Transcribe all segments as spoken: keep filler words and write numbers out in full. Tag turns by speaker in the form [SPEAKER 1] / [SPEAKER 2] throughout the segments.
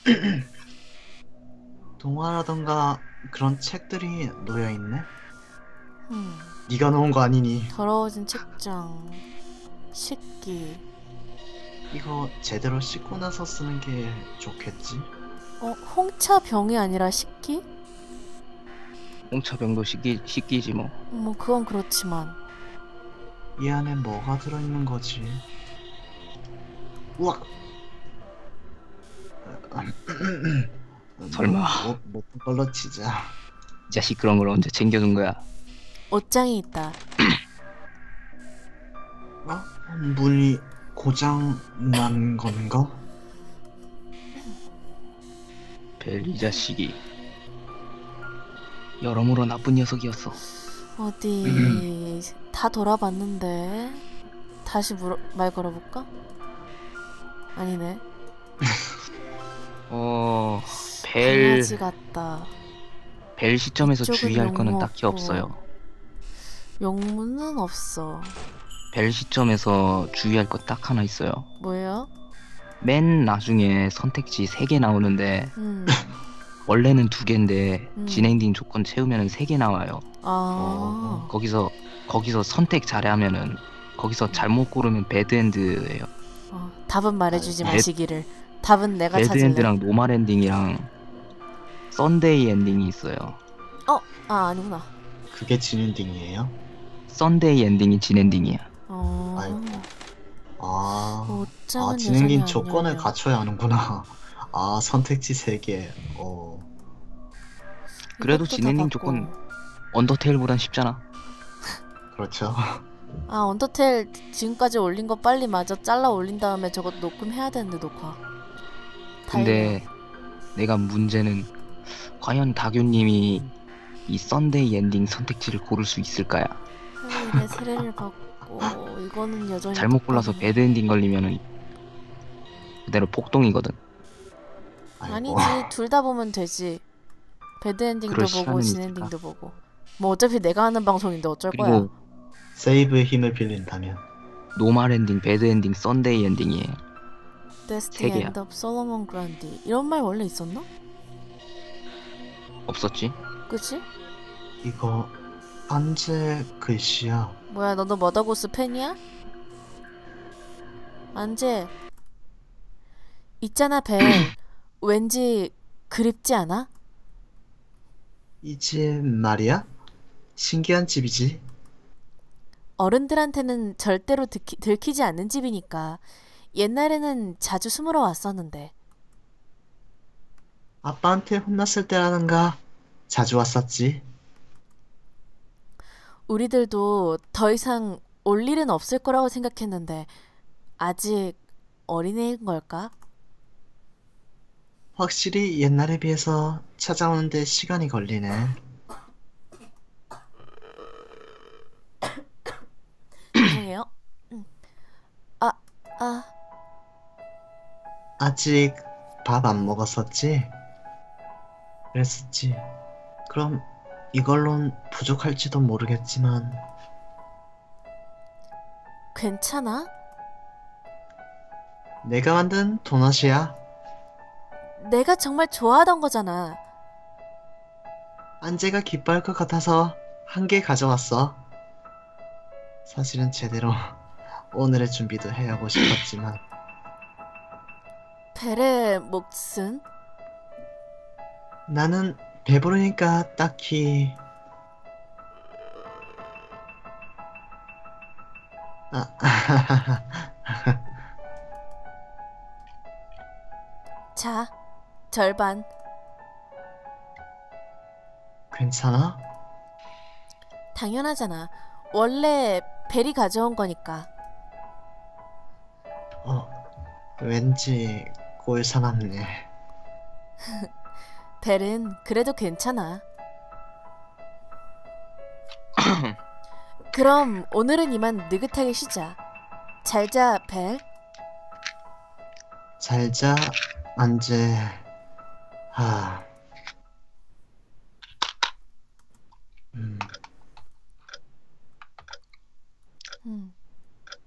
[SPEAKER 1] 동화라던가 그런 책들이 놓여있네?
[SPEAKER 2] 음,
[SPEAKER 1] 네가 놓은 거 아니니?
[SPEAKER 2] 더러워진 책장, 식기.
[SPEAKER 1] 이거 제대로 씻고 나서 쓰는 게 좋겠지?
[SPEAKER 2] 어, 홍차 병이 아니라 식기?
[SPEAKER 3] 홍차병도 씻기, 씻기지 뭐.
[SPEAKER 2] 뭐 그건 그렇지만.
[SPEAKER 1] 이 안에 뭐가 들어있는 거지? 우와!
[SPEAKER 3] 설마.
[SPEAKER 1] 못, 못, 못 걸러 치자.
[SPEAKER 3] 이 자식 그런 걸 언제 챙겨둔 거야?
[SPEAKER 2] 옷장이 있다.
[SPEAKER 1] 어? 문이 고장 난 건가?
[SPEAKER 3] 벨 이 자식이 여러모로 나쁜 녀석이었어.
[SPEAKER 2] 어디 다 돌아봤는데 다시 물어, 말 걸어볼까? 아니네.
[SPEAKER 3] 어... 벨...
[SPEAKER 2] 강아지 같다.
[SPEAKER 3] 벨 시점에서
[SPEAKER 2] 이쪽은
[SPEAKER 3] 주의할 거는
[SPEAKER 2] 용무
[SPEAKER 3] 딱히
[SPEAKER 2] 없고.
[SPEAKER 3] 없어요.
[SPEAKER 2] 용문은 없어.
[SPEAKER 3] 벨 시점에서 주의할 거 딱 하나 있어요.
[SPEAKER 2] 뭐예요?
[SPEAKER 3] 맨 나중에 선택지 세 개 나오는데
[SPEAKER 2] 음.
[SPEAKER 3] 원래는 두 개인데
[SPEAKER 2] 음.
[SPEAKER 3] 진행딩 조건 채우면 세 개 나와요.
[SPEAKER 2] 아.
[SPEAKER 3] 거기서 거기서 선택 잘하면은 거기서 잘못 고르면 배드엔드예요.
[SPEAKER 2] 어, 답은 말해주지
[SPEAKER 1] 아,
[SPEAKER 2] 마시기를. 답은 내가 찾을래.
[SPEAKER 3] 배드엔드랑 노말 엔딩이랑 썬데이 엔딩이 있어요.
[SPEAKER 2] 어, 아 아니구나.
[SPEAKER 1] 그게 진엔딩이에요?
[SPEAKER 3] 썬데이 엔딩이 진엔딩이야.
[SPEAKER 2] 어.
[SPEAKER 1] 아이고. 아,
[SPEAKER 2] 옷장은
[SPEAKER 1] 아 진행인
[SPEAKER 2] 여전히 안
[SPEAKER 1] 조건을
[SPEAKER 2] 열려.
[SPEAKER 1] 갖춰야 하는구나. 아, 선택지 세 개. 어,
[SPEAKER 3] 그래도
[SPEAKER 2] 이것도 다
[SPEAKER 3] 진엔딩
[SPEAKER 2] 받고.
[SPEAKER 3] 조건 언더테일보단 쉽잖아.
[SPEAKER 1] 그렇죠.
[SPEAKER 2] 아 언더테일 지금까지 올린 거 빨리 마저 잘라 올린 다음에 저거 녹음해야 되는데 녹화.
[SPEAKER 3] 근데 내가 문제는 과연 다교님이 이 썬데이 엔딩 선택지를 고를 수 있을까야?
[SPEAKER 2] 하일의 세례를 받고 이거는 여전히
[SPEAKER 3] 잘못 골라서
[SPEAKER 2] 똑같네.
[SPEAKER 3] 배드 엔딩 걸리면은 그대로 폭동이거든.
[SPEAKER 1] 아이고.
[SPEAKER 2] 아니지 둘 다 보면 되지. 배드 엔딩도
[SPEAKER 3] 그럴
[SPEAKER 2] 보고
[SPEAKER 3] 시간은
[SPEAKER 2] 진
[SPEAKER 3] 있을까?
[SPEAKER 2] 엔딩도 보고. 뭐 어차피 내가 하는 방송인데 어쩔 거야.
[SPEAKER 3] 그리고
[SPEAKER 1] 세이브의 힘을 빌린다면.
[SPEAKER 3] 노말 엔딩, 배드 엔딩, 썬데이 엔딩이에요.
[SPEAKER 2] 데스티
[SPEAKER 3] 세 개야.
[SPEAKER 2] 엔드 업 솔로몬 그란디 이런 말 원래 있었나?
[SPEAKER 3] 없었지?
[SPEAKER 2] 그치?
[SPEAKER 1] 이거 안제 글씨야.
[SPEAKER 2] 뭐야 너도 머더고스 팬이야? 안재 있잖아 벨. 왠지 그립지 않아?
[SPEAKER 1] 이 집 말이야? 신기한 집이지.
[SPEAKER 2] 어른들한테는 절대로 듣기, 들키지 않는 집이니까. 옛날에는 자주 숨으러 왔었는데.
[SPEAKER 1] 아빠한테 혼났을 때라는가 자주 왔었지.
[SPEAKER 2] 우리들도 더 이상 올 일은 없을 거라고 생각했는데 아직 어린애인 걸까?
[SPEAKER 1] 확실히 옛날에 비해서 찾아오는데 시간이 걸리네.
[SPEAKER 2] 죄송해요. 음. 아, 아,
[SPEAKER 1] 아직 밥 안 먹었었지? 그랬었지. 그럼 이걸론 부족할지도 모르겠지만
[SPEAKER 2] 괜찮아?
[SPEAKER 1] 내가 만든 도넛이야.
[SPEAKER 2] 내가 정말 좋아하던 거잖아.
[SPEAKER 1] 안재가 기뻐할 것 같아서 한 개 가져왔어. 사실은 제대로 오늘의 준비도 해야하고 싶었지만
[SPEAKER 2] 벨의 몫은?
[SPEAKER 1] 나는 배부르니까 딱히 아,
[SPEAKER 2] 자, 절반.
[SPEAKER 1] 괜찮아?
[SPEAKER 2] 당연하잖아. 원래 벨이 가져온 거니까.
[SPEAKER 1] 어, 왠지 꼴사납네.
[SPEAKER 2] 벨은 그래도 괜찮아. 그럼 오늘은 이만 느긋하게 쉬자. 잘자, 벨.
[SPEAKER 1] 잘자, 안재. 하. 음,
[SPEAKER 2] 음.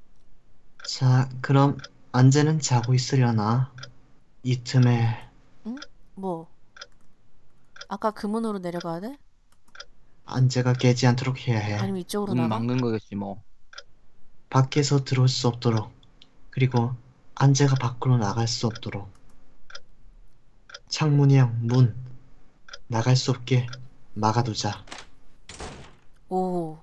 [SPEAKER 1] 자, 그럼 안재는 자고 있으려나? 이 틈에
[SPEAKER 2] 응? 뭐? 아까 그 문으로 내려가야 돼?
[SPEAKER 1] 안재가 깨지 않도록 해야 해.
[SPEAKER 2] 아니면 이쪽으로
[SPEAKER 3] 문
[SPEAKER 2] 나가?
[SPEAKER 3] 막는 거겠지 뭐.
[SPEAKER 1] 밖에서 들어올 수 없도록. 그리고 안재가 밖으로 나갈 수 없도록. 창문이랑 문 나갈 수 없게 막아두자.
[SPEAKER 2] 오.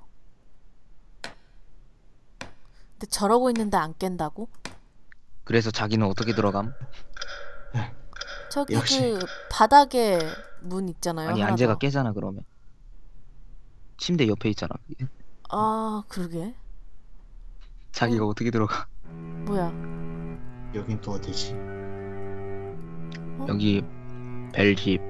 [SPEAKER 2] 근데 저러고 있는데 안 깬다고?
[SPEAKER 3] 그래서 자기는 어떻게 들어감?
[SPEAKER 2] 저기
[SPEAKER 1] 역시.
[SPEAKER 2] 그 바닥에 문 있잖아요.
[SPEAKER 3] 아니
[SPEAKER 2] 하나
[SPEAKER 3] 안재가
[SPEAKER 2] 더.
[SPEAKER 3] 깨잖아 그러면. 침대 옆에 있잖아. 그게.
[SPEAKER 2] 아, 그러게.
[SPEAKER 3] 자기가
[SPEAKER 2] 어.
[SPEAKER 3] 어떻게 들어가?
[SPEAKER 2] 뭐야?
[SPEAKER 1] 여긴 또 어디지?
[SPEAKER 3] 여기 벨집.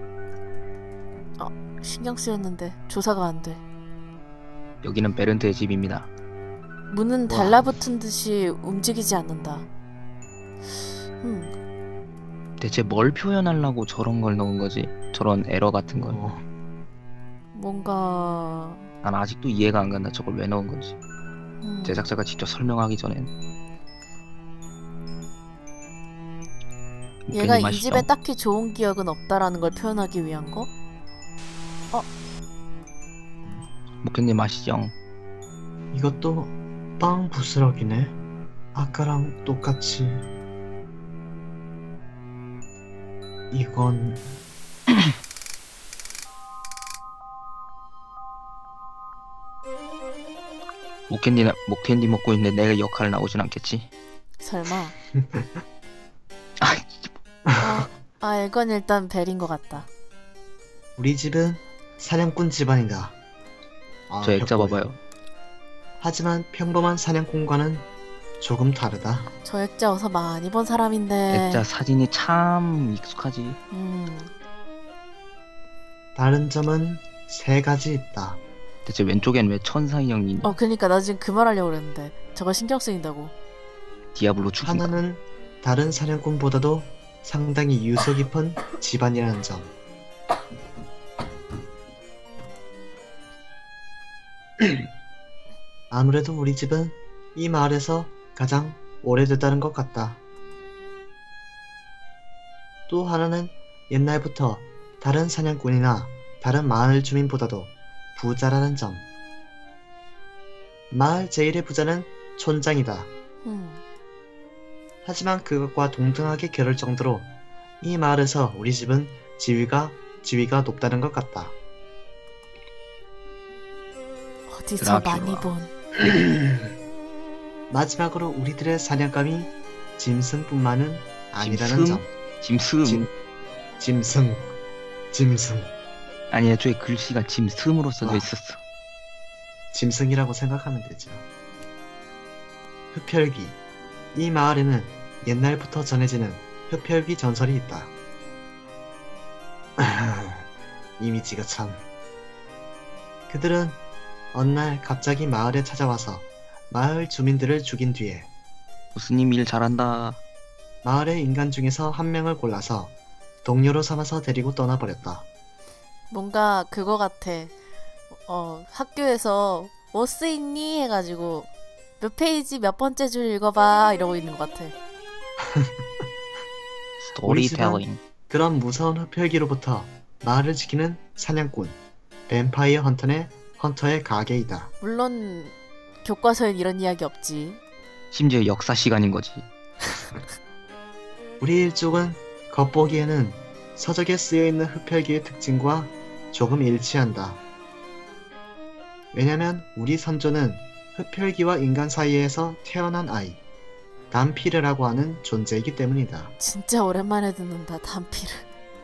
[SPEAKER 2] 신경 쓰였는데 조사가 안 돼.
[SPEAKER 3] 여기는 베른트의 집입니다.
[SPEAKER 2] 문은
[SPEAKER 1] 와.
[SPEAKER 2] 달라붙은 듯이 움직이지 않는다. 음,
[SPEAKER 3] 대체 뭘 표현하려고 저런 걸 넣은 거지? 저런 에러 같은 걸.
[SPEAKER 1] 어,
[SPEAKER 2] 뭔가
[SPEAKER 3] 난 아직도 이해가 안 간다. 저걸 왜 넣은 건지.
[SPEAKER 2] 음,
[SPEAKER 3] 제작자가 직접 설명하기 전엔.
[SPEAKER 2] 얘가 이
[SPEAKER 3] 맛있죠?
[SPEAKER 2] 집에 딱히 좋은 기억은 없다라는 걸 표현하기 위한 거?
[SPEAKER 3] 목현님 아시죠?
[SPEAKER 1] 이것도 빵 부스러기네. 아까랑 똑같이. 이건
[SPEAKER 3] 목캔디 목캔디 먹고 있는데 내 역할 나오진 않겠지?
[SPEAKER 2] 설마?
[SPEAKER 3] 아,
[SPEAKER 2] 아, 아 이건 일단 벨인 것 같다.
[SPEAKER 1] 우리 집은 사냥꾼 집안이다. 아,
[SPEAKER 3] 저 액자
[SPEAKER 1] 벽보네.
[SPEAKER 3] 봐봐요.
[SPEAKER 1] 하지만 평범한 사냥꾼과는 조금 다르다.
[SPEAKER 2] 저 액자 어서 많이 본 사람인데.
[SPEAKER 3] 액자 사진이 참 익숙하지.
[SPEAKER 2] 음,
[SPEAKER 1] 다른 점은 세 가지 있다.
[SPEAKER 3] 대체 왼쪽엔 왜 천사 인형이 있냐?
[SPEAKER 2] 어 그니까 나 지금 그 말 하려고 그랬는데 저거 신경 쓰인다고.
[SPEAKER 3] 디아블로 축인가?
[SPEAKER 1] 하나는 다른 사냥꾼보다도 상당히 유서 깊은 집안이라는 점. 아무래도 우리 집은 이 마을에서 가장 오래됐다는 것 같다. 또 하나는 옛날부터 다른 사냥꾼이나 다른 마을 주민보다도 부자라는 점. 마을 제일의 부자는 촌장이다.
[SPEAKER 2] 음,
[SPEAKER 1] 하지만 그것과 동등하게 겨룰 정도로 이 마을에서 우리 집은 지위가 지위가 높다는 것 같다.
[SPEAKER 2] 어디서
[SPEAKER 3] 드라큘라.
[SPEAKER 2] 많이 본.
[SPEAKER 1] 마지막으로 우리들의 사냥감이 짐승뿐만은 아니라는
[SPEAKER 3] 짐승?
[SPEAKER 1] 점.
[SPEAKER 3] 짐승.
[SPEAKER 1] 짐, 짐승, 짐승,
[SPEAKER 3] 아니 애초에 글씨가 짐승으로 써져
[SPEAKER 1] 와.
[SPEAKER 3] 있었어.
[SPEAKER 1] 짐승이라고 생각하면 되죠. 흡혈귀. 이 마을에는 옛날부터 전해지는 흡혈귀 전설이 있다. 이미지가 참. 그들은 어느 날 갑자기 마을에 찾아와서 마을 주민들을 죽인 뒤에
[SPEAKER 3] 무스님 일 잘한다.
[SPEAKER 1] 마을의 인간 중에서 한 명을 골라서 동료로 삼아서 데리고 떠나버렸다.
[SPEAKER 2] 뭔가 그거 같아. 어 학교에서 뭐 쓰있니 해가지고 몇 페이지 몇 번째 줄 읽어봐 이러고 있는 것 같아.
[SPEAKER 3] 스토리텔링.
[SPEAKER 1] 그런 무서운 흡혈귀로부터 마을을 지키는 사냥꾼 뱀파이어 헌터의 헌터의 가게이다.
[SPEAKER 2] 물론 교과서엔 이런 이야기 없지.
[SPEAKER 3] 심지어 역사 시간인 거지.
[SPEAKER 1] 우리 일족은 겉보기에는 서적에 쓰여있는 흡혈귀의 특징과 조금 일치한다. 왜냐면 우리 선조는 흡혈귀와 인간 사이에서 태어난 아이 담피르라고 하는 존재이기 때문이다.
[SPEAKER 2] 진짜 오랜만에 듣는다 단피를.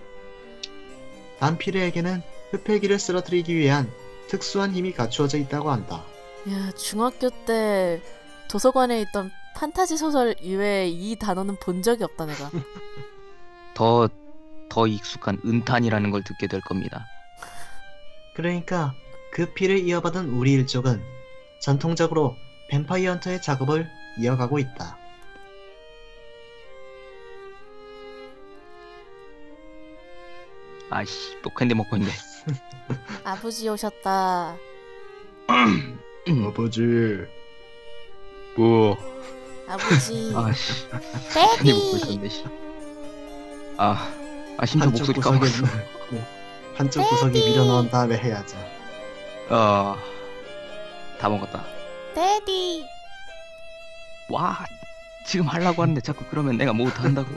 [SPEAKER 1] 담피르에게는 흡혈귀를 쓰러뜨리기 위한 특수한 힘이 갖추어져 있다고 한다.
[SPEAKER 2] 야 중학교 때 도서관에 있던 판타지 소설 이외에 이 단어는 본 적이 없다 내가.
[SPEAKER 3] 더, 더 익숙한 은탄이라는 걸 듣게 될 겁니다.
[SPEAKER 1] 그러니까 그 피를 이어받은 우리 일족은 전통적으로 뱀파이어 헌터의 작업을 이어가고 있다.
[SPEAKER 3] 아이씨, 또 캔디 먹고 있네.
[SPEAKER 2] 아버지 오셨다.
[SPEAKER 1] 아버지.
[SPEAKER 3] 뭐.
[SPEAKER 2] 아버지.
[SPEAKER 3] 아씨. 캔디 먹고
[SPEAKER 2] 베비.
[SPEAKER 3] 있었네, 씨. 아, 아 심지어
[SPEAKER 1] 한쪽
[SPEAKER 3] 목소리
[SPEAKER 1] 구석에
[SPEAKER 3] 까먹었어.
[SPEAKER 1] 네. 한쪽 구석에 밀어넣은 다음에 해야죠.
[SPEAKER 3] 어, 다 먹었다.
[SPEAKER 2] 데디.
[SPEAKER 3] 와, 지금 하려고 하는데 자꾸 그러면 내가 못한다고.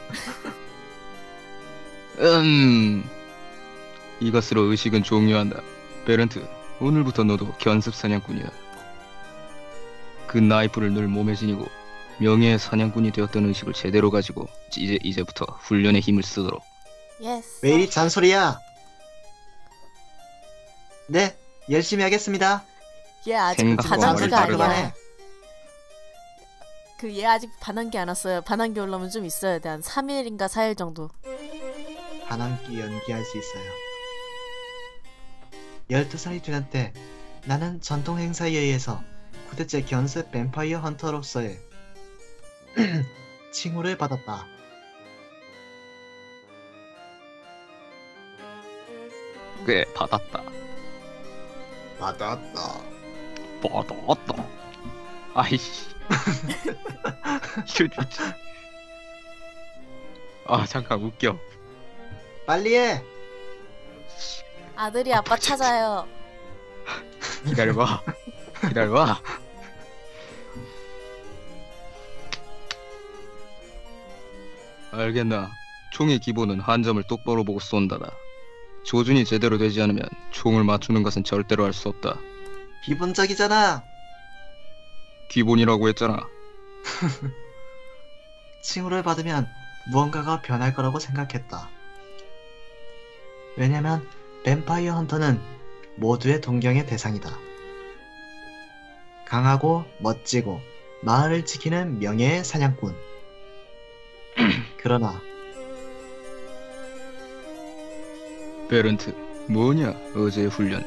[SPEAKER 3] 음, 이것으로 의식은 종료한다. 베른트, 오늘부터 너도 견습 사냥꾼이다. 그 나이프를 늘 몸에 지니고 명예의 사냥꾼이 되었던 의식을 제대로 가지고 이제 이제부터 훈련의 힘을 쓰도록.
[SPEAKER 2] 예스.
[SPEAKER 1] 왜 이리 잔소리야? 네, 열심히 하겠습니다.
[SPEAKER 2] 얘 아직
[SPEAKER 3] 생각과
[SPEAKER 2] 반항기가
[SPEAKER 1] 말을
[SPEAKER 2] 아니야.
[SPEAKER 1] 다르네.
[SPEAKER 2] 그 얘 아직 반항기 안 왔어요. 반항기 올라오면 좀 있어야 돼. 한 삼 일인가 사 일 정도.
[SPEAKER 1] 반항기 연기할 수 있어요. 열두 살이 되는 때 나는 전통 행사에 의해서 구 대째 견습 뱀파이어 헌터로서의 칭호를 받았다.
[SPEAKER 3] 꽤 받았다.
[SPEAKER 1] 받았다.
[SPEAKER 3] 받았다. 아이씨. 이거 진짜. 아 잠깐 웃겨.
[SPEAKER 1] 빨리 해.
[SPEAKER 2] 아들이 아빠 찾아요.
[SPEAKER 3] 기다려봐. 기다려봐. 알겠나? 총의 기본은 한 점을 똑바로 보고 쏜다다. 조준이 제대로 되지 않으면 총을 맞추는 것은 절대로 할 수 없다.
[SPEAKER 1] 기본적이잖아.
[SPEAKER 3] 기본이라고 했잖아.
[SPEAKER 1] 칭호를 받으면 무언가가 변할 거라고 생각했다. 왜냐면 뱀파이어 헌터는 모두의 동경의 대상이다. 강하고 멋지고 마을을 지키는 명예의 사냥꾼. 그러나
[SPEAKER 3] 베른트, 뭐냐 어제의 훈련.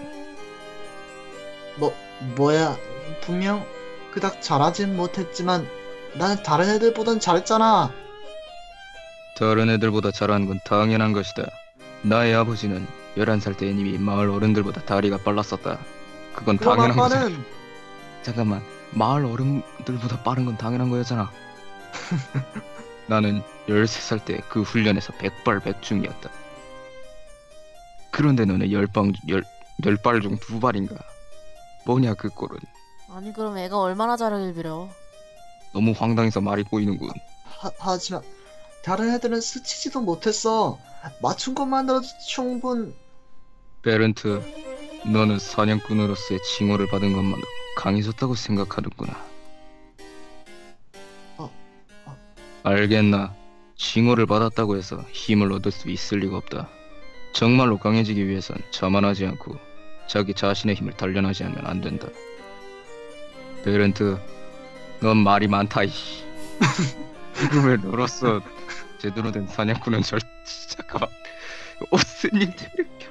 [SPEAKER 1] 뭐 뭐야 분명 그닥 잘하진 못했지만 나는 다른 애들보단 잘했잖아.
[SPEAKER 3] 다른 애들보다 잘하는 건 당연한 것이다. 나의 아버지는 열한 살 때 이미 마을 어른들보다 다리가 빨랐었다. 그건
[SPEAKER 1] 그럼
[SPEAKER 3] 당연한 거잖아.
[SPEAKER 1] 아빠는
[SPEAKER 3] 잠깐만, 마을 어른들보다 빠른 건 당연한 거였잖아. 나는 열세 살 때 그 훈련에서 백발백중이었다. 그런데 너는 열방, 열, 열발 중 두 발인가? 뭐냐 그 꼴은.
[SPEAKER 2] 아니 그럼 애가 얼마나 잘하길 빌어.
[SPEAKER 3] 너무 황당해서 말이 꼬이는군.
[SPEAKER 1] 하, 하지만 다른 애들은 스치지도 못했어. 맞춘 것만으로도 충분.
[SPEAKER 3] 베른트, 너는 사냥꾼으로서의 칭호를 받은 것만으로 강해졌다고 생각하는구나.
[SPEAKER 1] 어, 어.
[SPEAKER 3] 알겠나? 칭호를 받았다고 해서 힘을 얻을 수 있을 리가 없다. 정말로 강해지기 위해선 자만하지 않고 자기 자신의 힘을 단련하지 않으면 안 된다. 베른트, 넌 말이 많다 이씨. 지금의 너로서 제대로 된 사냥꾼은 절... 잠깐만. 오스님 때문에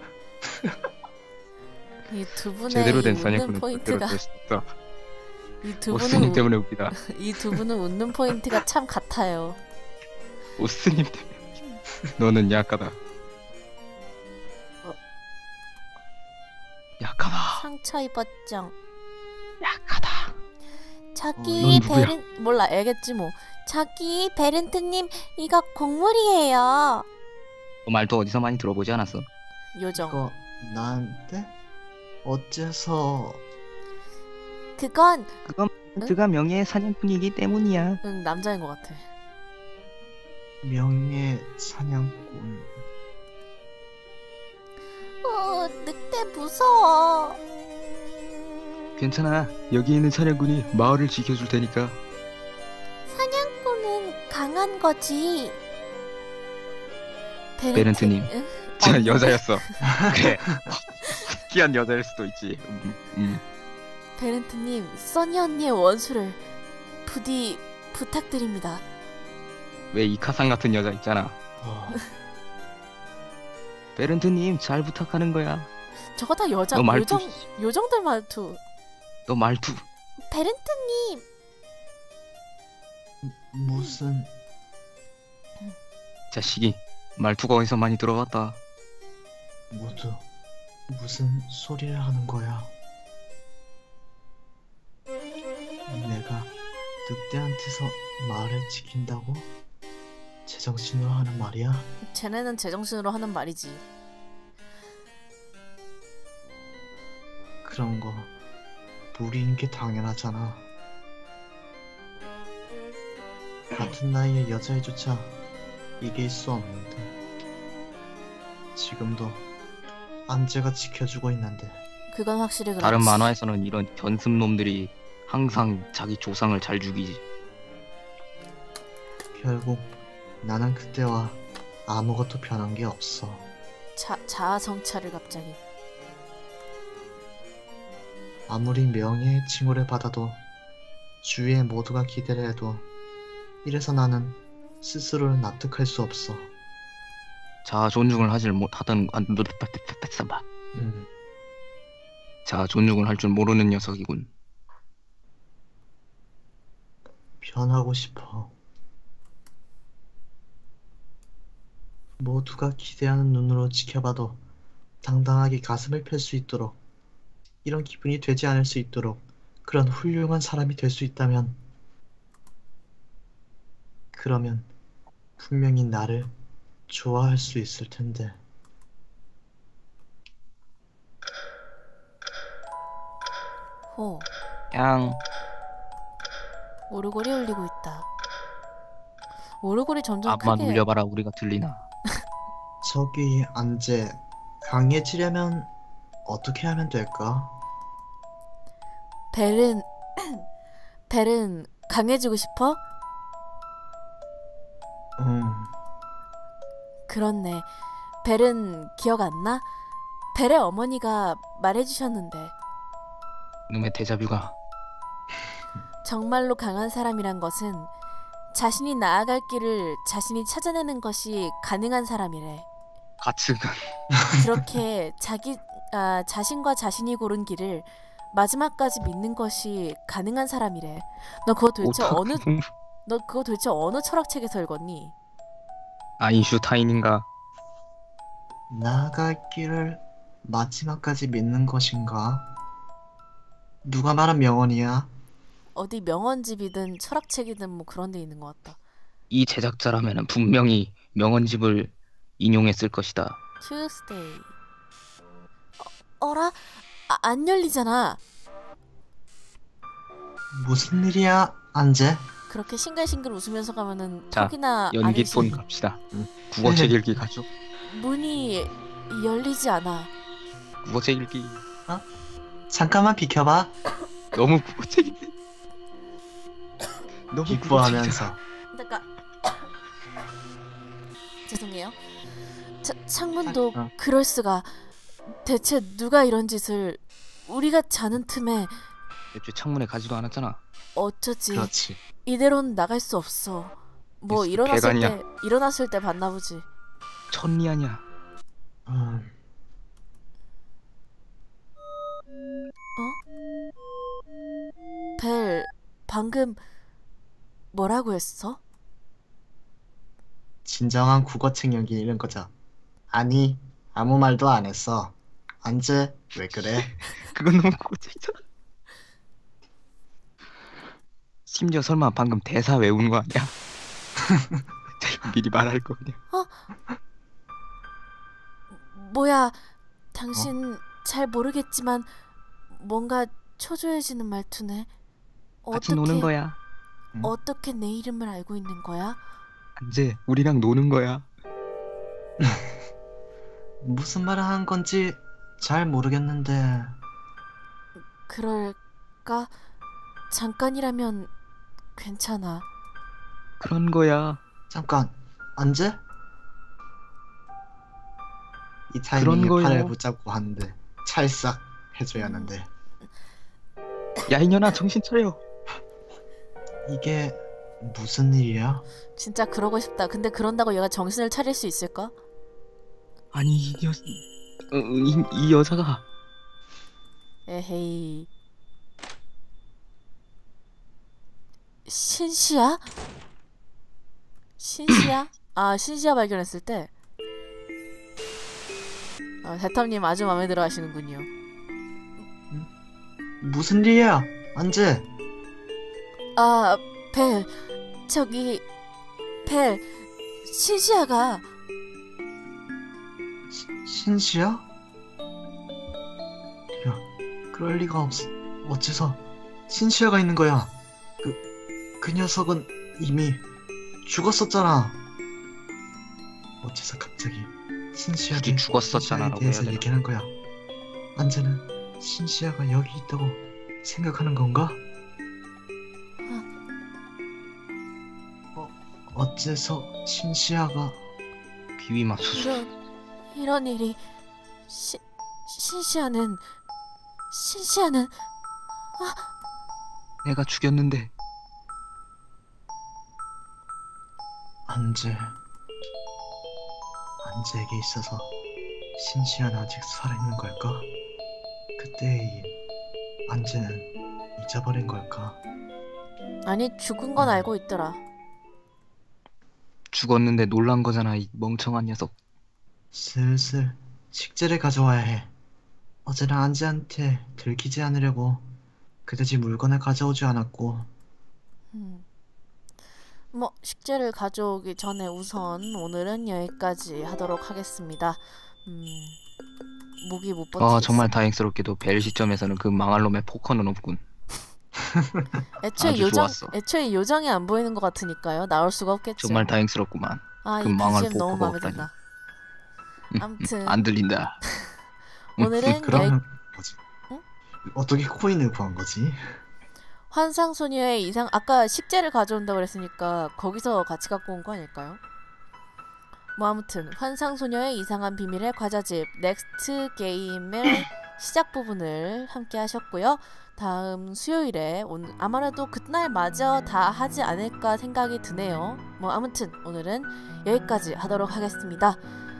[SPEAKER 2] 이 두 분의
[SPEAKER 3] 제대로
[SPEAKER 2] 이
[SPEAKER 3] 된
[SPEAKER 2] 웃는
[SPEAKER 3] 사냥꾼은 절대로
[SPEAKER 2] 포인트가
[SPEAKER 3] 될 수 없다.
[SPEAKER 2] 이 두
[SPEAKER 3] 오스님
[SPEAKER 2] 분은
[SPEAKER 3] 때문에 웃기다.
[SPEAKER 2] 이 두 분은 웃는 포인트가 참 같아요.
[SPEAKER 3] 오스님 때문에 웃기다. 너는 약하다.
[SPEAKER 1] 어.
[SPEAKER 3] 약하다.
[SPEAKER 2] 상처 입었정.
[SPEAKER 3] 약하다.
[SPEAKER 2] 저기
[SPEAKER 3] 넌 누구야?
[SPEAKER 2] 베른 몰라 알겠지 뭐. 저기 베른트님 이거 곡물이에요.
[SPEAKER 3] 그 말도 어디서 많이 들어보지 않았어?
[SPEAKER 2] 요정.
[SPEAKER 1] 이거 나한테? 어째서?
[SPEAKER 2] 그건
[SPEAKER 3] 그건
[SPEAKER 2] 응?
[SPEAKER 3] 그가 명예의 사냥꾼이기 때문이야.
[SPEAKER 2] 응 남자인 것 같아.
[SPEAKER 1] 명예 사냥꾼.
[SPEAKER 2] 어 늑대 무서워.
[SPEAKER 3] 괜찮아. 여기 있는 사냥꾼이 마을을 지켜줄 테니까.
[SPEAKER 2] 사냥꾼은 강한 거지.
[SPEAKER 3] 베른트님.
[SPEAKER 2] 응?
[SPEAKER 3] 저
[SPEAKER 2] 어,
[SPEAKER 3] 여자였어. 그래. 특이한 여자일 수도 있지. 음, 음.
[SPEAKER 2] 베른트님 써니 언니의 원수를 부디 부탁드립니다.
[SPEAKER 3] 왜 이카상 같은 여자 있잖아.
[SPEAKER 1] 어,
[SPEAKER 3] 베른트님 잘 부탁하는 거야.
[SPEAKER 2] 저거 다 여자
[SPEAKER 3] 너 말투.
[SPEAKER 2] 요정 요정들 말투.
[SPEAKER 3] 너 말투.
[SPEAKER 2] 베른트님
[SPEAKER 1] 무슨
[SPEAKER 3] 자식이 말투가 어디서 많이 들어봤다.
[SPEAKER 1] 모두 무슨 소리를 하는 거야? 내가 늑대한테서 말을 지킨다고? 제정신으로 하는 말이야?
[SPEAKER 2] 쟤네는 제정신으로 하는 말이지.
[SPEAKER 1] 그런 거 무리인 게 당연하잖아. 같은 나이의 여자애조차 이길 수 없는데 지금도 안재가 지켜주고 있는데.
[SPEAKER 2] 그건 확실히 그렇지.
[SPEAKER 3] 다른 만화에서는 이런 견습놈들이 항상 자기 조상을 잘 죽이지.
[SPEAKER 1] 결국 나는 그때와 아무것도 변한 게 없어.
[SPEAKER 2] 자, 자아 성찰을 갑자기.
[SPEAKER 1] 아무리 명예의 칭호를 받아도 주위의 모두가 기대를 해도 이래서 나는 스스로를 납득할 수 없어.
[SPEAKER 3] 자아 존중을 하질 못하던 아,
[SPEAKER 1] 음,
[SPEAKER 3] 자아 존중을 할 줄 모르는 녀석이군.
[SPEAKER 1] 변하고 싶어. 모두가 기대하는 눈으로 지켜봐도 당당하게 가슴을 펼 수 있도록, 이런 기분이 되지 않을 수 있도록 그런 훌륭한 사람이 될 수 있다면, 그러면 분명히 나를 좋아할 수 있을 텐데.
[SPEAKER 2] 호.
[SPEAKER 3] 그냥
[SPEAKER 2] 오르골이 울리고 있다. 오르골이 점점
[SPEAKER 3] 앞만
[SPEAKER 2] 크게.
[SPEAKER 3] 울려봐라 우리가 들리나.
[SPEAKER 1] 저기 안재, 강해지려면 어떻게 하면 될까?
[SPEAKER 2] 벨은 벨은 강해지고 싶어?
[SPEAKER 1] 음,
[SPEAKER 2] 그렇네. 벨은 기억 안 나? 벨의 어머니가 말해주셨는데
[SPEAKER 3] 놈의 데자뷰가.
[SPEAKER 2] 정말로 강한 사람이란 것은 자신이 나아갈 길을 자신이 찾아내는 것이 가능한 사람이래.
[SPEAKER 3] 가츠가
[SPEAKER 2] 그렇게 자기 아, 자신과 자신이 고른 길을 마지막까지 믿는 것이 가능한 사람이래. 너 그거 도대체
[SPEAKER 3] 오타쿠.
[SPEAKER 2] 어느 너 그거 도대체 어느 철학책에서 읽었니?
[SPEAKER 3] 아인슈타인인가.
[SPEAKER 1] 나아갈 길을 마지막까지 믿는 것인가? 누가 말한 명언이야?
[SPEAKER 2] 어디 명언집이든 철학책이든 뭐 그런 데 있는 것 같다.
[SPEAKER 3] 이 제작자라면 분명히 명언집을 인용했을 것이다.
[SPEAKER 2] Tuesday. 어, 어라? 아, 안 열리잖아.
[SPEAKER 1] 무슨 일이야, 안재?
[SPEAKER 2] 그렇게 싱글싱글 웃으면서 가면은
[SPEAKER 3] 자,
[SPEAKER 2] 턱이나
[SPEAKER 3] 연기
[SPEAKER 2] 아니지.
[SPEAKER 3] 톤 갑시다. 국어책 읽기 가죠.
[SPEAKER 2] 문이 열리지 않아.
[SPEAKER 3] 국어책 읽기.
[SPEAKER 1] 잠깐만 비켜봐.
[SPEAKER 3] 너무 국어책인데. 너무
[SPEAKER 1] 기뻐하면서.
[SPEAKER 2] 잠깐. 죄송해요. 차, 창문도
[SPEAKER 1] 어.
[SPEAKER 2] 그럴 수가. 대체 누가 이런 짓을 우리가 자는 틈에
[SPEAKER 3] 애초에 창문에 가지도 않았잖아.
[SPEAKER 2] 어쩌지.
[SPEAKER 1] 그렇지.
[SPEAKER 2] 이대로는 나갈 수 없어. 뭐
[SPEAKER 3] 있어,
[SPEAKER 2] 일어났을
[SPEAKER 3] 배관이야.
[SPEAKER 2] 때 일어났을 때 봤나 보지.
[SPEAKER 3] 천리 아니야.
[SPEAKER 1] 음,
[SPEAKER 2] 벨 방금 뭐라고 했어?
[SPEAKER 1] 진정한 국어책 연기 이런 거죠. 아니, 아무 말도 안 했어. 안재, 왜 그래?
[SPEAKER 3] 그건 너무 국어책이잖아. 심지어 설마 방금 대사 외우는 거 아니야? 미리 말할 거 그냥.
[SPEAKER 2] 뭐야, 당신 잘 모르겠지만 뭔가 초조해지는 말투네.
[SPEAKER 3] 같이
[SPEAKER 2] 어떻게
[SPEAKER 3] 노는 거야.
[SPEAKER 2] 어떻게 내 이름을 알고 있는 거야?
[SPEAKER 3] 안재, 우리랑 노는 거야.
[SPEAKER 1] 무슨 말을 한 건지 잘 모르겠는데.
[SPEAKER 2] 그럴까? 잠깐이라면 괜찮아.
[SPEAKER 3] 그런 거야.
[SPEAKER 1] 잠깐, 안재? 이
[SPEAKER 3] 그런
[SPEAKER 1] 타이밍에
[SPEAKER 3] 거요.
[SPEAKER 1] 팔을 붙잡고 하는데 찰싹 해줘야 하는데
[SPEAKER 3] 야 이년아 정신 차려.
[SPEAKER 1] 이게 무슨 일이야?
[SPEAKER 2] 진짜 그러고 싶다. 근데 그런다고 얘가 정신을 차릴 수 있을까?
[SPEAKER 3] 아니 이, 여... 어, 이, 이 여자가
[SPEAKER 2] 에헤이. 신시야? 신시야? 아, 신시야 발견했을 때. 아, 대탐님 아주 마음에 들어 하시는군요.
[SPEAKER 1] 무슨 일이야? 안재?
[SPEAKER 2] 아, 벨. 저기, 벨. 신시아가
[SPEAKER 1] 시, 신시야? 야, 그럴 리가 없. 어째서 신시아가 있는 거야? 그, 그 녀석은 이미 죽었었잖아. 어째서 갑자기 신시아에
[SPEAKER 3] 굳이 죽었었잖아라고
[SPEAKER 1] 대해서
[SPEAKER 3] 해야 되나?
[SPEAKER 1] 얘기하는 거야? 안재는 신시아가 여기 있다고 생각하는 건가? 어, 어째서 신시아가
[SPEAKER 3] 비위 맙소사.
[SPEAKER 2] 이런 이런 일이 시, 신시아는 신시아는
[SPEAKER 3] 내가 죽였는데.
[SPEAKER 1] 안재 안재에게 있어서 신시아는 아직 살아있는 걸까? 그때의 일 안재는 잊어버린 걸까?
[SPEAKER 2] 아니 죽은 건 알고 있더라.
[SPEAKER 3] 죽었는데 놀란 거잖아, 이 멍청한 녀석.
[SPEAKER 1] 슬슬 식재를 가져와야 해. 어제는 안재한테 들키지 않으려고 그다지 물건을 가져오지 않았고.
[SPEAKER 2] 음. 뭐 식재를 가져오기 전에 우선 오늘은 여기까지 하도록 하겠습니다. 음, 목이 못 버티겠어.
[SPEAKER 3] 아, 정말 다행스럽게도 벨 시점에서는 그 망할 놈의 포커는 없군.
[SPEAKER 2] 애초에
[SPEAKER 3] 아주
[SPEAKER 2] 요정
[SPEAKER 3] 좋았어.
[SPEAKER 2] 애초에 요정이 안 보이는 것 같으니까요. 나올 수가 없겠죠.
[SPEAKER 3] 정말 다행스럽구만.
[SPEAKER 2] 아,
[SPEAKER 3] 그
[SPEAKER 2] 이
[SPEAKER 3] 망할
[SPEAKER 2] 비지엠 너무
[SPEAKER 3] 포커가
[SPEAKER 2] 마음에
[SPEAKER 3] 없다니.
[SPEAKER 2] 든다.
[SPEAKER 3] 음, 음,
[SPEAKER 2] 아무튼
[SPEAKER 3] 안 들린다.
[SPEAKER 2] 오늘은 여기
[SPEAKER 1] 그러면 뭐지?
[SPEAKER 2] 응?
[SPEAKER 1] 어떻게 코인을 구한 거지?
[SPEAKER 2] 환상소녀의 이상 아까 식재를 가져온다고 그랬으니까 거기서 같이 갖고 온 거 아닐까요? 뭐 아무튼 환상소녀의 이상한 비밀의 과자집 넥스트 게임의 시작 부분을 함께 하셨고요. 다음 수요일에 오늘 아무래도 그날 마저 다 하지 않을까 생각이 드네요. 뭐 아무튼 오늘은 여기까지 하도록 하겠습니다.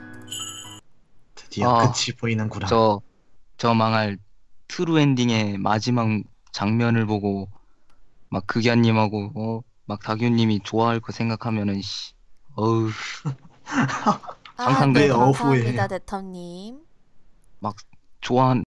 [SPEAKER 1] 드디어
[SPEAKER 3] 아,
[SPEAKER 1] 끝이 보이는구나.
[SPEAKER 3] 저, 저 망할 트루 엔딩의 마지막 장면을 보고 막 극야님하고 어, 막 다규님이 좋아할 거 생각하면은 씨, 어우,
[SPEAKER 2] 아,
[SPEAKER 3] 상상돼.
[SPEAKER 2] 네,
[SPEAKER 1] 내 어후에.
[SPEAKER 2] 감사합니다, 대텀님.
[SPEAKER 3] 막 좋아한